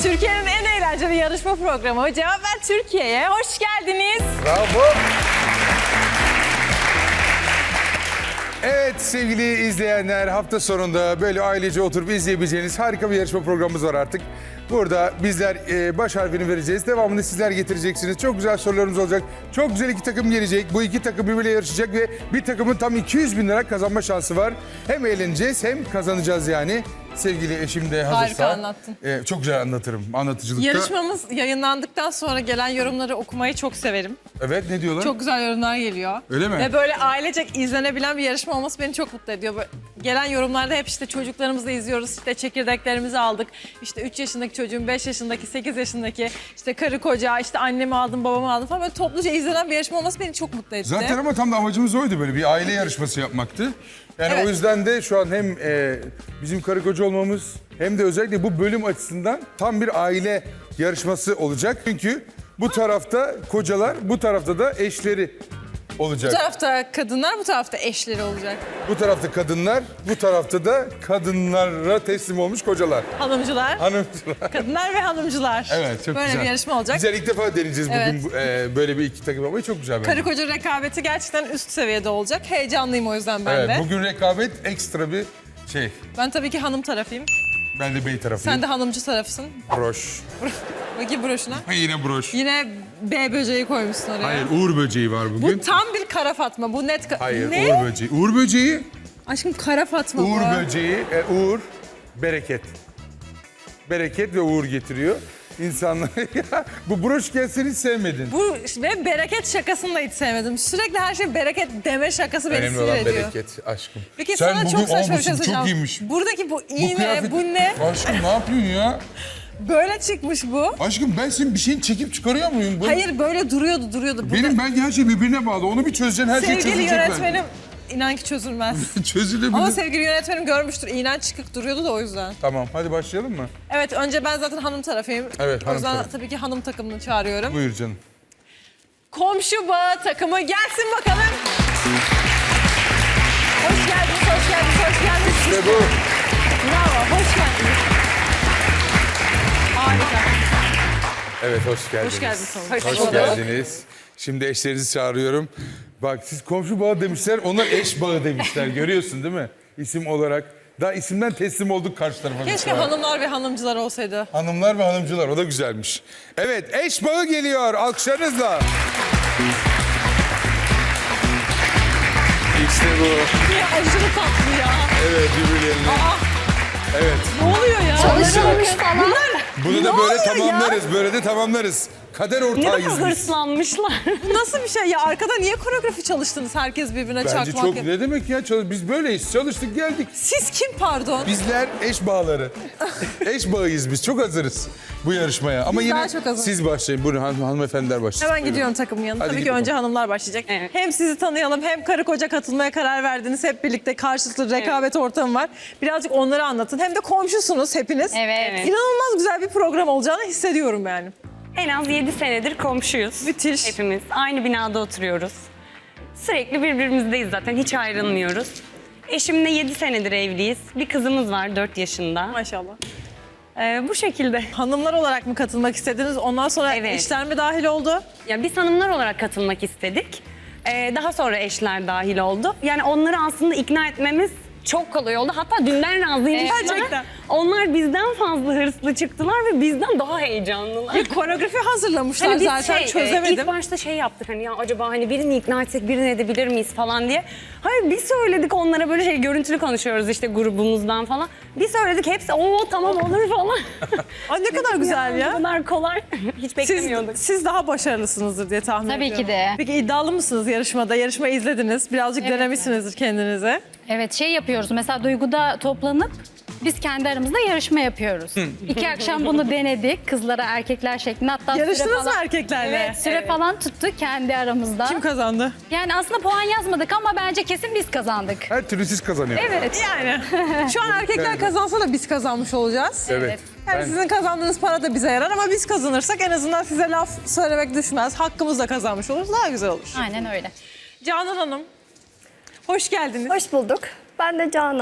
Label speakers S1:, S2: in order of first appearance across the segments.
S1: Türkiye'nin en eğlenceli yarışma programı Cevap Ver Türkiye'ye hoş geldiniz.
S2: Bravo. Evet sevgili izleyenler, hafta sonunda böyle ailece oturup izleyebileceğiniz harika bir yarışma programımız var artık. Burada bizler baş harfini vereceğiz. Devamını sizler getireceksiniz. Çok güzel sorularımız olacak. Çok güzel iki takım gelecek. Bu iki takım birbiriyle yarışacak ve bir takımın tam 200 bin lira kazanma şansı var. Hem eğleneceğiz hem kazanacağız yani. Sevgili eşim de hazırsa.
S1: Harika anlattın.
S2: Çok güzel anlatırım. Anlatıcılıkta.
S1: Yarışmamız yayınlandıktan sonra gelen yorumları okumayı çok severim.
S2: Evet, ne diyorlar?
S1: Çok güzel yorumlar geliyor.
S2: Öyle mi?
S1: Ve böyle ailecek izlenebilen bir yarışma olması beni çok mutlu ediyor. Böyle gelen yorumlarda hep işte çocuklarımızla izliyoruz, işte çekirdeklerimizi aldık. İşte 3 yaşındaki çocuğum, 5 yaşındaki, 8 yaşındaki, işte karı koca, işte annemi aldım, babamı aldım falan. Böyle topluca izlenen bir yarışma olması beni çok mutlu etti.
S2: Zaten ama tam da amacımız oydu, böyle bir aile yarışması yapmaktı. Yani
S1: Evet.
S2: o yüzden de şu an hem bizim karı koca olmamız hem de özellikle bu bölüm açısından tam bir aile yarışması olacak. Çünkü bu tarafta kocalar, bu tarafta da eşleri olacak.
S1: Bu tarafta kadınlar, bu tarafta eşleri olacak.
S2: Bu tarafta kadınlar, bu tarafta da kadınlara teslim olmuş kocalar.
S1: Hanımcılar,
S2: Hanımcılar.
S1: kadınlar ve hanımcılar.
S2: Evet, çok
S1: böyle
S2: güzel.
S1: bir yarışma olacak.
S2: Güzel, ilk defa deneyeceğiz
S1: Evet.
S2: bugün böyle bir iki takım yapmayı, çok güzel bence.
S1: Karı koca rekabeti gerçekten üst seviyede olacak. Heyecanlıyım o yüzden ben
S2: Evet,
S1: de.
S2: bugün rekabet ekstra bir şey.
S1: Ben tabii ki hanım tarafıyım.
S2: Ben de bey tarafıyım.
S1: Sen de hanımcı tarafısın.
S2: Broş.
S1: Bakayım broşuna.
S2: Yine broş.
S1: Yine B böceği koymuşsun oraya.
S2: Hayır, Uğur böceği var bugün.
S1: Bu tam bir kara Fatma. Bu net...
S2: Hayır,
S1: Ne?
S2: Uğur böceği. Uğur böceği,
S1: Aşkım kara Fatma
S2: Uğur
S1: bu.
S2: böceği, Uğur, bereket. Bereket ve uğur getiriyor. İnsanlar ya bu broş gelseni hiç sevmedin.
S1: Bu ve bereket şakasını da hiç sevmedim. Sürekli her şey bereket deme şakası beni
S2: Önemli
S1: sinir
S2: olan
S1: ediyor.
S2: bereket aşkım.
S1: Peki
S2: Sen
S1: sana
S2: bugün,
S1: çok saçma
S2: bu
S1: bir şey
S2: çok
S1: söyleyeceğim.
S2: iyiymiş.
S1: Buradaki bu iğne,
S2: kıyafet-
S1: bu ne?
S2: Aşkım ne yapıyorsun ya?
S1: Böyle çıkmış bu.
S2: Aşkım ben senin bir şeyini çekip çıkarıyor muyum?
S1: Hayır böyle duruyordu.
S2: Benim bence her şey birbirine bağlı. Onu bir çözeceksin, her şey
S1: Sevgili
S2: çözülecek
S1: yönetmenim, inan ki çözülmez.
S2: bence. Çözülebilir.
S1: Ama sevgili yönetmenim görmüştür. İğnen çıkık duruyordu da o yüzden.
S2: Tamam, hadi başlayalım mı?
S1: Evet, önce ben zaten hanım tarafıyım.
S2: Evet,
S1: O
S2: hanım
S1: yüzden
S2: tarafı.
S1: tabii ki hanım takımını çağırıyorum.
S2: Buyur canım.
S1: Komşu bağı takımı gelsin bakalım. Hoş geldiniz, hoş geldiniz, hoş geldiniz.
S2: İşte bu.
S1: Bravo, hoş geldiniz. Harika.
S2: Evet, hoş geldiniz.
S1: Hoş geldiniz.
S2: Hoş geldiniz. Şimdi eşlerinizi çağırıyorum. Bak siz komşu bağı demişler, onlar eş bağı demişler. Görüyorsun değil mi? İsim olarak. Daha isimden teslim olduk karşı tarafa.
S1: Keşke
S2: mesela.
S1: hanımlar ve hanımcılar olsaydı.
S2: Hanımlar ve hanımcılar, o da güzelmiş. Evet, eş bağı geliyor. Alkışlarınızla. İşte bu.
S1: Ya aşırı tatlı ya.
S2: Evet, birbirlerine. Evet.
S1: Ne oluyor ya?
S3: Çalışılmış falan.
S2: Bunu da
S1: Ne
S2: böyle
S1: oluyor ya?
S2: tamamlarız. Böyle de tamamlarız. Kader
S3: Ne
S2: ortağıyız
S3: kadar
S2: biz.
S3: hırslanmışlar.
S1: Bu nasıl bir şey ya? Arkada niye koreografi çalıştınız? Herkes birbirine
S2: Bence
S1: çakmak
S2: çok,
S1: yap-
S2: ne demek ya? Biz böyleyiz. Çalıştık, geldik.
S1: Siz kim pardon?
S2: Bizler eş bağları. Eş bağıyız biz. Çok hazırız bu yarışmaya. Ama
S1: Biz
S2: yine
S1: daha çok hazırız.
S2: siz başlayın. Buyurun hanımefendiler başlayın.
S1: Hemen gidiyorum takımın yanına.
S2: Hadi
S1: Tabii
S2: git
S1: ki önce
S2: bakalım.
S1: hanımlar başlayacak.
S3: Evet.
S1: Hem sizi tanıyalım hem karı koca katılmaya karar verdiniz. Hep birlikte karşılıklı rekabet ortamı var. Birazcık onları anlatın. Hem de komşusunuz hepiniz.
S3: Evet.
S1: İnanılmaz güzel bir program olacağını hissediyorum yani.
S3: En az 7 senedir komşuyuz.
S1: Müthiş.
S3: Hepimiz. Aynı binada oturuyoruz. Sürekli birbirimizdeyiz zaten. Hiç ayrılmıyoruz. Eşimle 7 senedir evliyiz. Bir kızımız var 4 yaşında.
S1: Maşallah.
S3: Bu şekilde.
S1: Hanımlar olarak mı katılmak istediniz? Ondan sonra
S3: Evet.
S1: eşler mi dahil oldu?
S3: Ya biz hanımlar olarak katılmak istedik. Daha sonra eşler dahil oldu. Yani onları aslında ikna etmemiz çok kolay oldu. Hatta dünden razıymışlar.
S1: Gerçekten.
S3: Onlar bizden fazla hırslı çıktılar ve bizden daha heyecanlılar.
S1: Bir koreografi hazırlamışlar
S3: Hani biz
S1: zaten çözemedim.
S3: ilk başta şey yaptık hani ya acaba hani birini ikna etsek birini edebilir miyiz falan diye. Hayır biz söyledik onlara böyle şey görüntülü konuşuyoruz işte grubumuzdan falan. Biz söyledik hepsi o tamam olur falan.
S1: Ay ne kadar güzel
S3: Bu
S1: ya.
S3: kadar kolay. Hiç beklemiyorduk.
S1: Siz daha başarılısınızdır diye tahmin
S4: Tabii
S1: ediyorum.
S4: ki de.
S1: Peki iddialı mısınız yarışmada? Yarışmayı izlediniz. Birazcık denemişsinizdir kendinize.
S4: Evet şey yapıyoruz mesela Duygu'da toplanıp biz kendi aramızda yarışma yapıyoruz. 2 akşam bunu denedik kızlara erkekler şeklinde hatta süre
S1: Yarıştınız mı
S4: falan,
S1: erkeklerle?
S4: evet, süre falan tuttuk kendi aramızda.
S1: Kim kazandı?
S4: Yani aslında puan yazmadık ama bence kesin biz kazandık.
S2: Her türlü siz kazanıyor.
S4: Evet.
S1: Yani şu an erkekler kazansa da biz kazanmış olacağız.
S2: Evet.
S1: Yani
S2: Ben-
S1: sizin kazandığınız para da bize yarar ama biz kazanırsak en azından size laf söylemek düşmez. Hakkımızla kazanmış oluruz. Daha güzel olur.
S4: Aynen öyle.
S1: Canan Hanım, hoş geldiniz.
S5: Hoş bulduk. Ben de Canan.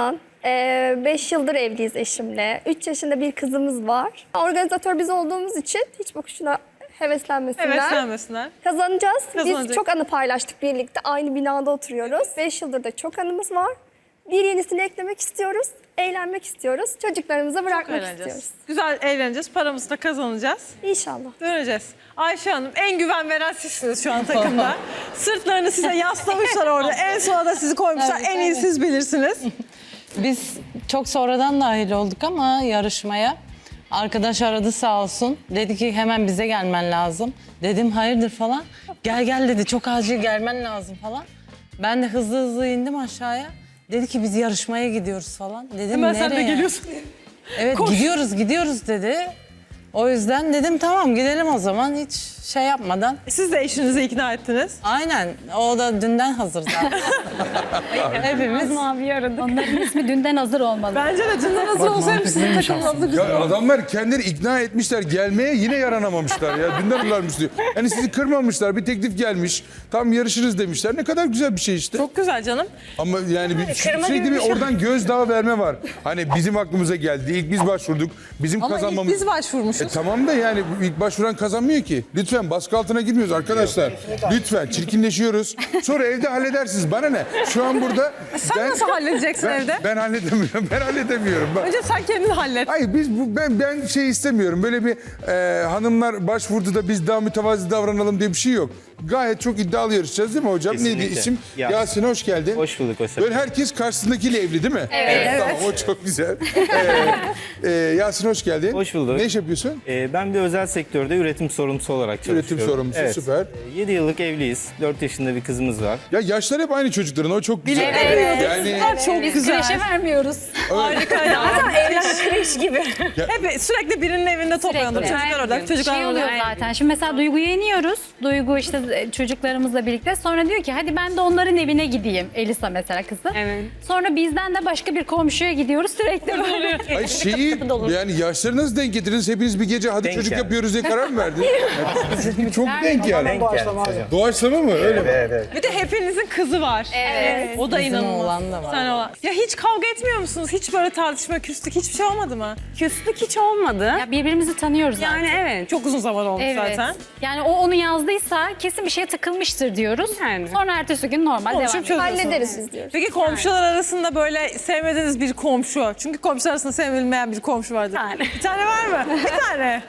S5: 5 yıldır evliyiz eşimle. 3 yaşında bir kızımız var. Organizatör biz olduğumuz için hiç boşuna heveslenmesinler.
S1: Heveslenmesinler.
S5: Kazanacağız. Biz
S1: Kazanacak.
S5: çok anı paylaştık birlikte. Aynı binada oturuyoruz. 5 yıldır da çok anımız var. Bir yenisini eklemek istiyoruz. Eğlenmek istiyoruz. Çocuklarımıza bırakmak istiyoruz.
S1: Eğleneceğiz. Güzel eğleneceğiz. Paramızı da kazanacağız.
S5: İnşallah.
S1: Döneceğiz. Ayşe Hanım en güven veren sizsiniz şu an takımda. Sırtlarını size yaslamışlar orada. En sona da sizi koymuşlar. En iyi siz bilirsiniz.
S6: Biz çok sonradan dahil olduk ama yarışmaya. Arkadaş aradı sağ olsun. Dedi ki hemen bize gelmen lazım. Dedim hayırdır falan. Gel gel dedi, çok acil gelmen lazım falan. Ben de hızlı hızlı indim aşağıya. Dedi ki biz yarışmaya gidiyoruz falan. Dedim
S1: Hemen
S6: nereye?
S1: sen de geliyorsun.
S6: Evet gidiyoruz dedi. O yüzden dedim tamam gidelim o zaman, hiç şey yapmadan.
S1: Siz de eşinizi ikna ettiniz.
S6: Aynen, o da dünden hazır zaten. Hepimiz.
S3: Mavi aradık.
S4: Onların ismi dünden hazır olmalı.
S1: Bence de dünden hazır olsaymış sizin takımınızda güzel
S2: Ya
S1: olurdu.
S2: adamlar kendileri ikna etmişler gelmeye, yine yaranamamışlar ya. Dünden varmış diyor. Yani sizi kırmamışlar, bir teklif gelmiş. Tam yarışırız demişler. Ne kadar güzel bir şey işte.
S1: Çok güzel canım.
S2: Ama yani bir,
S3: kırma
S2: sürekli
S3: gibi
S2: bir
S3: bir şey.
S2: oradan gözdağı verme var. Hani bizim aklımıza geldi. İlk biz başvurduk. Bizim
S1: Ama ilk
S2: kazanmamız...
S1: biz başvurmuşuz.
S2: Tamam da yani ilk başvuran kazanmıyor ki. Lütfen baskı altına girmiyoruz arkadaşlar. Lütfen çirkinleşiyoruz. Sonra evde halledersiniz. Bana ne? Şu an burada...
S1: Sen nasıl halledeceksin evde?
S2: Ben halledemiyorum. Ben halledemiyorum.
S1: Önce sen kendin hallet.
S2: Hayır ben şey istemiyorum. Böyle bir hanımlar başvurdu da biz daha mütevazi davranalım diye bir şey yok. Gayet çok iddialı yarışacağız değil mi hocam? Neydi
S7: Kesinlikle.
S2: isim?
S7: Yasin.
S2: Yasin hoş geldin.
S7: Hoş bulduk Osman.
S2: Böyle herkes karşısındakiyle evli değil mi? Evet. Tamam o çok güzel. Yasin hoş geldin.
S7: Hoş bulduk.
S2: Ne iş yapıyorsun?
S7: Ben bir özel sektörde üretim sorumlusu olarak çalışıyorum.
S2: Üretim sorumlusu,
S7: Evet.
S2: süper.
S7: 7 yıllık evliyiz. 4 yaşında bir kızımız var.
S2: Ya yaşlar hep aynı çocukların, o çok güzel. Yani
S1: Çok
S4: Biz
S1: güzel.
S4: kreşe vermiyoruz.
S1: Harika ya.
S3: Kreş gibi.
S1: Hep sürekli birinin evinde toplanır.
S4: Sürekli.
S1: Çocuklar orada, çocuklar
S4: Şey oluyor
S1: orada.
S4: zaten. Şimdi mesela Duygu'yu yeniyoruz. Duygu işte çocuklarımızla birlikte. Sonra diyor ki hadi ben de onların evine gideyim. Elisa mesela kızı.
S3: Evet.
S4: Sonra bizden de başka bir komşuya gidiyoruz. Sürekli böyle.
S2: Ay şeyi yani yaşları nasıl denk getirdiniz? Hepiniz bir gece hadi
S7: Denk
S2: çocuk
S7: yani.
S2: yapıyoruz diye karar mı verdiniz? Yani çok denk yani.
S7: Denk geldi hocam.
S2: Doğaçlama mı? Öyle mi?
S7: Evet.
S1: Bir de hepinizin kızı var. Evet. O da
S6: Bizim
S1: inanılmaz.
S6: oğlan da var.
S1: Sen oğlan. Ya hiç kavga etmiyor musunuz? Hiç böyle tartışma, küslük hiçbir şey olmadı mı?
S3: Küslük hiç olmadı.
S4: Ya birbirimizi tanıyoruz zaten.
S3: Yani evet.
S1: Çok uzun zaman olmuş
S4: Evet.
S1: zaten.
S4: Yani o onu yazdıysa kesin bir şeye takılmıştır diyoruz.
S3: Yani.
S4: Sonra ertesi gün normal devam
S1: Konuşup
S4: ediyoruz.
S1: çözüyorsunuz.
S5: Hallederiz biz diyoruz.
S1: Peki komşular arasında böyle sevmediğiniz bir komşu. Çünkü komşular arasında sevilmeyen bir komşu vardır. Bir tane var mı? Bir tane.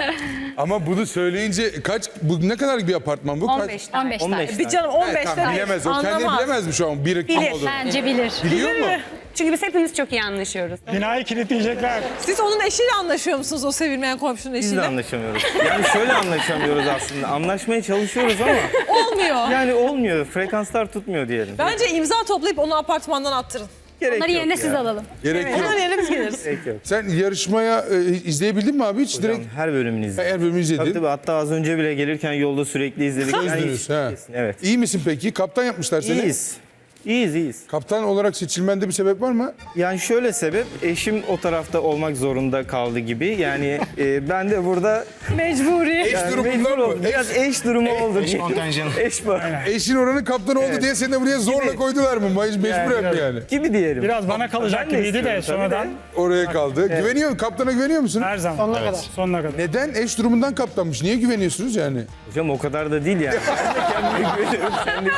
S2: Ama bunu söyleyince bu ne kadar bir apartman bu?
S3: 15 tane.
S4: 15
S7: 15
S4: tane.
S1: Bir canım 15
S2: Tamam,
S1: tane.
S2: bilemez o. Kendi
S1: Anlamaz.
S2: bilemez mi şu an? Bir kim
S3: Bilir.
S2: olur?
S4: Bence bilir.
S2: Biliyor mu?
S3: Çünkü biz hepimiz çok iyi anlaşıyoruz.
S8: Binayı kilitleyecekler.
S1: Siz onun eşiyle anlaşıyor musunuz? O sevilmeyen komşunun
S7: Biz de
S1: eşiyle.
S7: anlaşamıyoruz. Yani şöyle anlaşamıyoruz aslında. Anlaşmaya çalışıyoruz ama
S1: Olmuyor.
S7: yani olmuyor. Frekanslar tutmuyor diyelim.
S1: Bence imza toplayıp onu apartmandan attırın.
S7: Gerek
S4: Onları
S7: yok
S4: yerine
S7: ya.
S4: siz alalım.
S2: Gerek yok.
S1: Hemen yerine biz geliriz.
S7: Gerek yok.
S2: Sen yarışmaya izleyebildin mi abi hiç?
S7: Hocam,
S2: Direkt
S7: her bölümünü izledim.
S2: her bölümü izledin.
S7: Tabii, hatta az önce bile gelirken yolda sürekli izledik. Yani
S2: Sözdünüz,
S7: hiç-
S2: ha.
S7: Kesin, evet.
S2: İyi misin peki? Kaptan yapmışlar seni.
S7: İyiyiz. İyiyiz.
S2: Kaptan olarak seçilmende bir sebep var mı?
S7: Yani şöyle sebep, eşim o tarafta olmak zorunda kaldı gibi. Yani ben de burada
S1: Mecburi.
S2: Eş
S7: yani
S2: durumundan
S7: mecbur
S2: mı?
S7: oldum. Biraz eş durumu oldu. Eş kontenjanı. Eş var.
S2: Eşin oranın kaptanı oldu diye seni de buraya zorla
S7: Gibi.
S2: koydular mı? Mecburen mi yani?
S7: Gibi diyelim.
S8: Biraz bana kalacak
S7: Ben de
S8: gibiydi de
S7: istiyorum tabii
S8: sonradan
S2: Oraya kaldı. Güveniyor, kaptana güveniyor musun?
S8: her zaman. Sonuna kadar. Sonuna kadar.
S2: Neden? Eş durumundan kaptanmış. Niye güveniyorsunuz yani?
S7: Hocam o kadar da değil yani. Ben de kendime güveniyorum.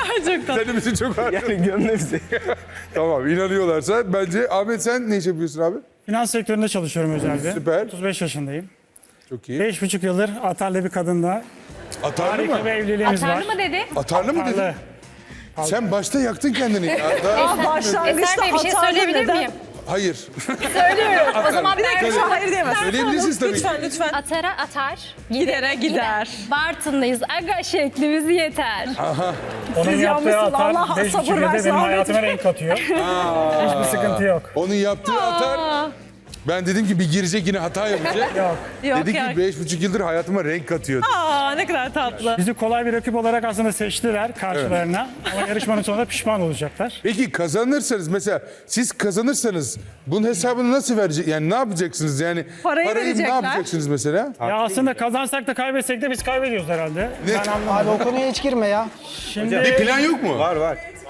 S2: Sen de bizi çok ağır.
S7: Yani gönlümüzde.
S2: Tamam, inanıyorlarsa bence. Ahmet sen ne iş yapıyorsun abi?
S8: Finans sektöründe çalışıyorum özelde.
S2: Süper.
S8: 35 yaşındayım.
S2: Çok iyi.
S8: 5,5 yıldır atarlı bir kadınla
S2: Atarlı
S8: harika
S2: mı?
S8: bir evliliğimiz var.
S4: Atarlı mı dedi?
S2: Atarlı mı dedin?
S8: Atarlı.
S2: Sen başta yaktın kendini. Ya.
S1: Başlangıçta
S4: Eser Bey bir şey
S1: atarlı
S4: söyleyebilir
S1: neden?
S4: miyim?
S2: Hayır.
S1: Söylüyorum. O zaman bir dakika
S2: Tabii.
S1: şu an hayır diyemez.
S2: Söyleyebilirsiniz tabii.
S1: Lütfen lütfen.
S4: Atara atar.
S1: Gidere gider.
S4: Bartın'dayız. Aga şeklimiz yeter.
S8: Onun
S1: Siz
S8: yaptığı
S1: yanmışsınız.
S8: atar
S1: Allah
S8: 5,5
S1: sabır
S8: yıldır
S1: versin
S8: benim
S1: Ahmet.
S8: hayatıma renk katıyor. Hiçbir sıkıntı yok.
S2: Onun yaptığı atar. Ben dedim ki bir girecek yine hata yapacak.
S8: Yok.
S1: Yok
S2: Dedi ki
S1: ya.
S2: 5,5 yıldır hayatıma renk katıyor.
S1: Aa ne kadar tatlı.
S8: Bizi kolay bir rakip olarak aslında seçtiler karşılarına. Ama yarışmanın sonunda pişman olacaklar.
S2: Peki kazanırsanız mesela siz kazanırsanız bunun hesabını nasıl verecek? Yani ne yapacaksınız yani?
S1: Parayı
S2: ne
S1: verecekler.
S2: yapacaksınız mesela?
S8: Ya aslında kazansak da kaybetsek de biz kaybediyoruz herhalde.
S2: Ne?
S8: Ben anlamadım.
S9: Abi o konuya hiç girme ya.
S8: Şimdi
S2: Bir plan yok mu?
S7: Var var.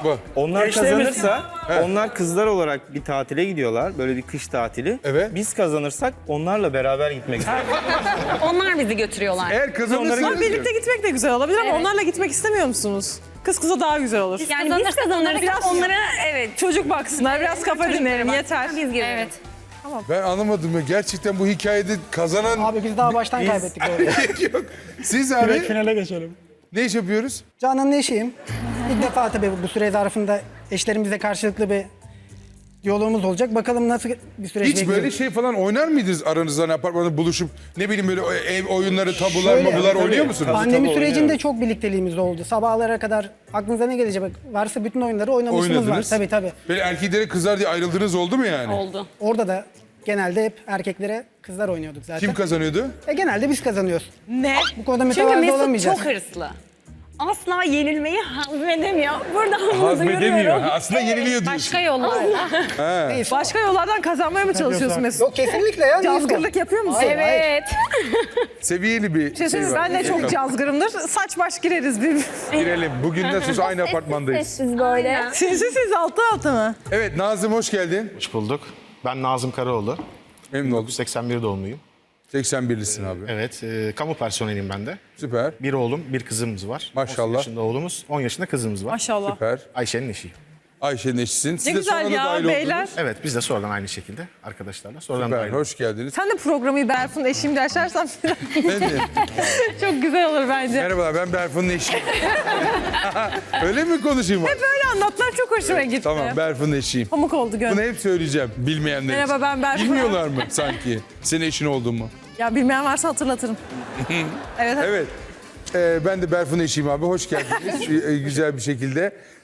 S2: Bu.
S7: Onlar
S8: Eşlerimiz-
S7: kazanırsa onlar kızlar olarak bir tatile gidiyorlar. Böyle bir kış tatili.
S2: Evet.
S7: Biz kazanırsak onlarla beraber gitmek istiyoruz.
S3: Onlar bizi götürüyorlar.
S2: Eğer kazanırsanız
S1: Ama birlikte gitmek de güzel olabilir ama onlarla gitmek istemiyor musunuz? Kız kıza daha güzel olur.
S3: Yani biz
S4: Kazanırsak
S3: kazanırsak
S1: biraz-
S3: onlara evet.
S1: Çocuk baksınlar, biraz kafa dinleyelim yeter.
S3: Biz girelim.
S4: Evet.
S2: ben anlamadım ya. Gerçekten bu hikayede kazanan
S9: Abi biz daha baştan kaybettik orada.
S2: yok. Siz
S8: Direkt
S2: abi
S8: finale geçelim.
S2: ne iş yapıyoruz?
S9: Canan'ın eşiyim. İlk defa tabii bu süre zarfında eşlerimizle karşılıklı bir yolumuz olacak. Bakalım nasıl bir süreç
S2: Hiç
S9: bekliyoruz.
S2: böyle şey falan oynar mıydınız aranızda hani apartmanda buluşup ne bileyim böyle ev oyunları, tabular,
S9: Şöyle,
S2: mabular
S9: tabii.
S2: oynuyor musunuz?
S9: Pandemi
S7: Tabii,
S9: sürecinde
S7: oynuyoruz.
S9: çok birlikteliğimiz oldu. Sabahlara kadar aklınıza ne gelecek? Varsa bütün oyunları oynamışlığımız var.
S2: Oynadınız.
S9: Tabii tabii.
S2: Böyle erkeklere kızlar diye ayrıldığınız oldu mu yani?
S3: Oldu.
S9: Orada da genelde hep erkeklere kızlar oynuyorduk zaten.
S2: Kim kazanıyordu?
S9: Genelde biz kazanıyoruz.
S1: Ne?
S9: Bu konuda
S3: Çünkü
S9: mütevazı
S3: Mesut
S9: olamayacağız.
S3: çok hırslı. Asla yenilmeyi hazmedemiyor. Buradan bunu
S2: Hazmedemiyor.
S3: duyuruyorum.
S2: Ha, aslında yeniliyor diyorsun.
S4: Başka yollar.
S9: Neyse.
S1: Başka yollardan kazanmaya mı çalışıyorsun Mesut?
S9: Yok kesinlikle ya. neyse.
S1: Cazgırlık yapıyor musun?
S4: Evet.
S2: Seviyeli bir
S1: Bir şey söyleyeyim mi?
S2: var.
S1: Ben de çok cazgırımdır. Saç baş gireriz bir.
S2: Girelim. Bugün nasıl aynı apartmandayız.
S5: Sessiz böyle.
S1: Siz altı altı mı?
S2: Evet Nazım hoş geldin.
S10: Hoş bulduk. Ben Nazım Karaoğlu.
S2: Memnun oldum.
S10: 81 doğumluyum.
S2: 81'lisin abi.
S10: Evet, kamu personeliyim ben de.
S2: Süper.
S10: Bir oğlum, bir kızımız var.
S2: Maşallah.
S10: 18 yaşında oğlumuz, 10 yaşında kızımız var.
S1: Maşallah.
S2: Süper.
S10: Ayşe'nin eşi.
S2: Ayşe'nin eşisin. Siz
S1: Ne
S2: de
S1: güzel
S2: sonradan
S1: ya
S2: dahil
S1: beyler.
S2: oldunuz.
S10: Evet, biz de sonradan aynı şekilde arkadaşlarla sonradan
S2: Süper.
S10: dahil olduk.
S2: Hoş geldiniz.
S1: Sen de programı Berfun eşim de açarsan
S2: Ben de.
S1: çok güzel olur bence.
S2: Merhabalar ben Berfun'un eşiyim. Öyle mi konuşayım?
S1: Böyle anlatlar çok hoşuma gitti.
S2: Tamam Berfun'un eşiyim.
S1: Pamuk oldu
S2: Bunu
S1: gönlüm.
S2: hep söyleyeceğim bilmeyenler için.
S1: Merhaba, ben Berfun.
S2: Bilmiyorlar mı sanki senin eşin olduğumu?
S1: Ya bilmeyen varsa hatırlatırım. Evet.
S2: Evet. Ben de Berfun'un eşiyim abi. Hoş geldiniz. Güzel bir şekilde.